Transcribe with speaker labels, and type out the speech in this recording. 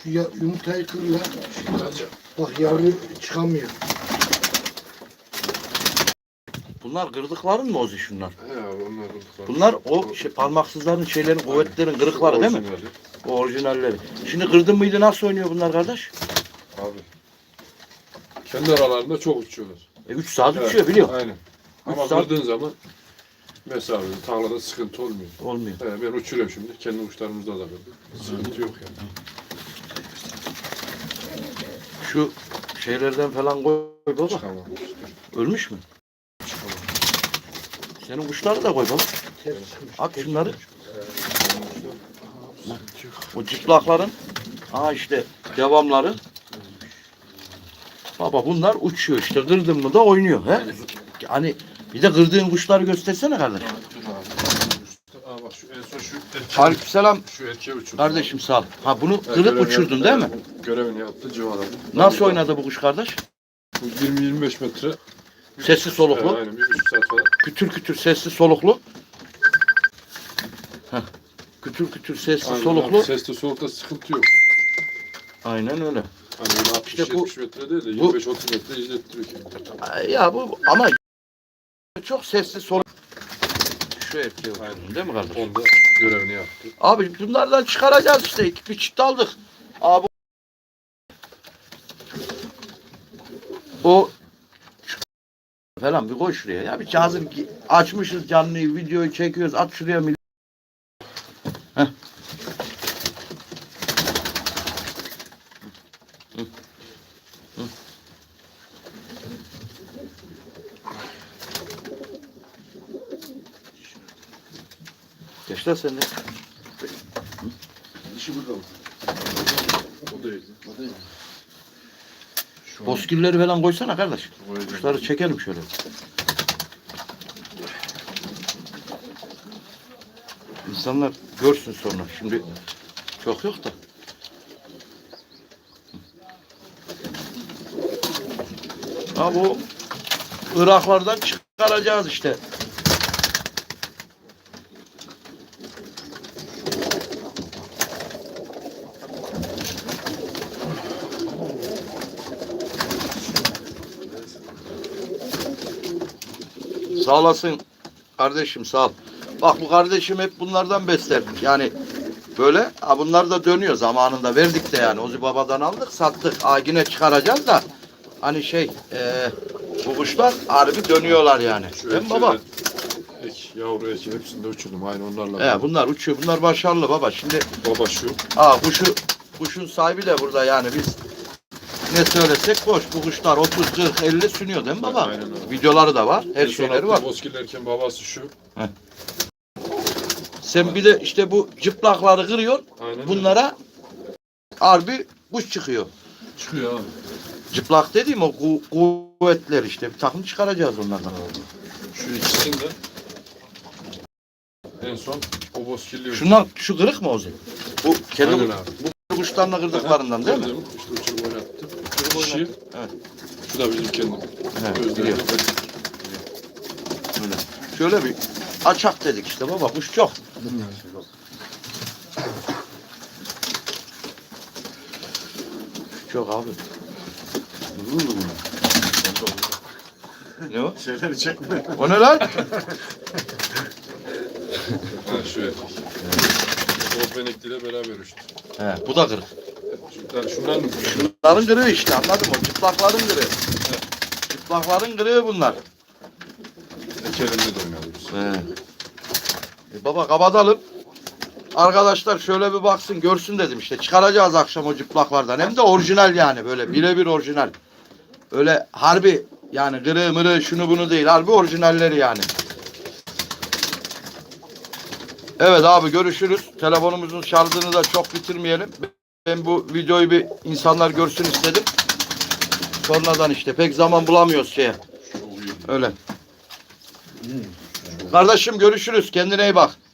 Speaker 1: Şu yumurtayı kır lan. Bak yavru çıkamıyor.
Speaker 2: Bunlar kırdıkların mı Ozi şunlar?
Speaker 3: He abi onlar kırdıklar.
Speaker 2: Bunlar o parmaksızların şeylerin, kuvvetlerin kırıkları değil mi?
Speaker 3: Orijinali.
Speaker 2: O orijinalleri. Şimdi kırdın mıydı nasıl oynuyor bunlar kardeş?
Speaker 3: Abi. Kendi aralarında çok uçuyorlar.
Speaker 2: 3 saat
Speaker 3: Evet,
Speaker 2: uçuyor biliyorum.
Speaker 3: Aynen. Ama
Speaker 2: saat-
Speaker 3: kırdığın zaman mesafede, tarlada sıkıntı olmuyor.
Speaker 2: Olmuyor.
Speaker 3: He, ben uçuruyorum şimdi. Kendi uçlarımızda da kırdım. Sıkıntı yok yani.
Speaker 2: Şu şeylerden falan koy baba.
Speaker 3: Çıkamam.
Speaker 2: Ölmüş mü? Senin kuşları da koy baba. At şunları. O cıplakların. Aha işte devamları. Baba bunlar uçuyor işte. Kırdın mı da oynuyor. He? Hani bir de kırdığın kuşları göstersene kardeş.
Speaker 3: Aa bak şu en son şu erkeği.
Speaker 2: Aleykümselam.
Speaker 3: Şu erkeği uçurdu.
Speaker 2: Kardeşim sağ ol. Ha bunu
Speaker 3: Evet,
Speaker 2: kırıp uçurdun değil mi?
Speaker 3: Görevini yaptı, civaladı.
Speaker 2: Nasıl oynadı bu kuş kardeş?
Speaker 3: Bu 20-25 metre.
Speaker 2: Sessiz soluklu.
Speaker 3: Evet, aynen 1,5 saat falan.
Speaker 2: Kütür kütür sessiz soluklu. Heh. Kütür kütür sessiz
Speaker 3: Aynen
Speaker 2: soluklu.
Speaker 3: abi, sesli soğukta sıkıntı yok.
Speaker 2: Aynen öyle.
Speaker 3: Hani böyle 60-70
Speaker 2: İşte bu-
Speaker 3: metre değil de
Speaker 2: bu-
Speaker 3: 25-30 metre izlettiriyor kendini.
Speaker 2: Ya bu ama çok sessiz soluk. Şu erkeği okudun değil mi kardeş?
Speaker 3: Onda görevini yaptı.
Speaker 2: Abi bunlardan çıkaracağız işte. Bir çift aldık. Abi o falan bir koy şuraya ya. Bir hazır açmışız canlıyı, videoyu çekiyoruz. At şuraya millet. Heh. Hı. Hı. Gençler sen de.
Speaker 3: İşi burada mı? O değil. O değil.
Speaker 2: Bozkirleri falan koysana kardeş.
Speaker 3: Koyacağım.
Speaker 2: Kuşları çekelim şöyle. İnsanlar görsün sonra. Şimdi çok yok da. Ha bu Iraklardan çıkaracağız işte. Sağ olasın kardeşim sağ ol. Bak bu kardeşim hep bunlardan besler. Yani böyle bunlar da dönüyor zamanında verdik de yani. Ozi babadan aldık sattık. Yine çıkaracağız da hani bu kuşlar harbi dönüyorlar yani.
Speaker 3: Şu
Speaker 2: Değil mi baba?
Speaker 3: Yavru eki hepsinde uçurdum. Aynı onlarla.
Speaker 2: Bunlar uçuyor. Bunlar başarılı baba. Şimdi
Speaker 3: Baba şu.
Speaker 2: kuşun sahibi de burada yani biz ne söylesek boş. Bu kuşlar 30, 40, 50 sünüyor değil mi baba?
Speaker 3: Aynen öyle.
Speaker 2: Videoları da var. Her şeyleri var.
Speaker 3: Bozkirlerken babası şu.
Speaker 2: Sen bir de işte bu cıplakları kırıyorsun.
Speaker 3: Aynen
Speaker 2: Bunlara harbi kuş çıkıyor.
Speaker 3: çıkıyor abi.
Speaker 2: Cıplak dediğim o kuvvetler işte. Bir takım çıkaracağız onlardan.
Speaker 3: Şu ikisini de en son o bozkirliyor.
Speaker 2: Şu kırık mı Ozi? Bu kedi
Speaker 3: Aynen abi.
Speaker 2: bu kuşlarla kırdıklarından değil mi?
Speaker 3: Gördüm. İşte uçurup oynattım.
Speaker 2: Uçurup
Speaker 3: Dişi.
Speaker 2: Evet.
Speaker 3: Şu da bizim kendim.
Speaker 2: Evet, biliyorum. Öyle. Şöyle bir açak dedik işte baba kuş çok. Çok abi. Ne o?
Speaker 3: Şeyleri çekme.
Speaker 2: O ne lan?
Speaker 3: Ha şu erkek. O benekliyle beraber uçtu.
Speaker 2: He, bu da kırık.
Speaker 3: Şundan mı?
Speaker 2: Bunların kırığı işte anladın mı? Çıplakların kırığı. Çıplakların kırığı bunlar.
Speaker 3: Ekelimde de oynadı biz.
Speaker 2: Baba kapatalım. Arkadaşlar şöyle bir baksın görsün dedim işte. Çıkaracağız akşam o cıplaklardan. Hem de orijinal yani böyle birebir orijinal. Öyle harbi yani kırığı mırığı şunu bunu değil. Harbi orijinalleri yani. Evet abi görüşürüz. Telefonumuzun şarjını da çok bitirmeyelim. Ben bu videoyu bir insanlar görsün istedim. Sonradan işte pek zaman bulamıyoruz şeye. Öyle. Kardeşim görüşürüz. Kendine iyi bak.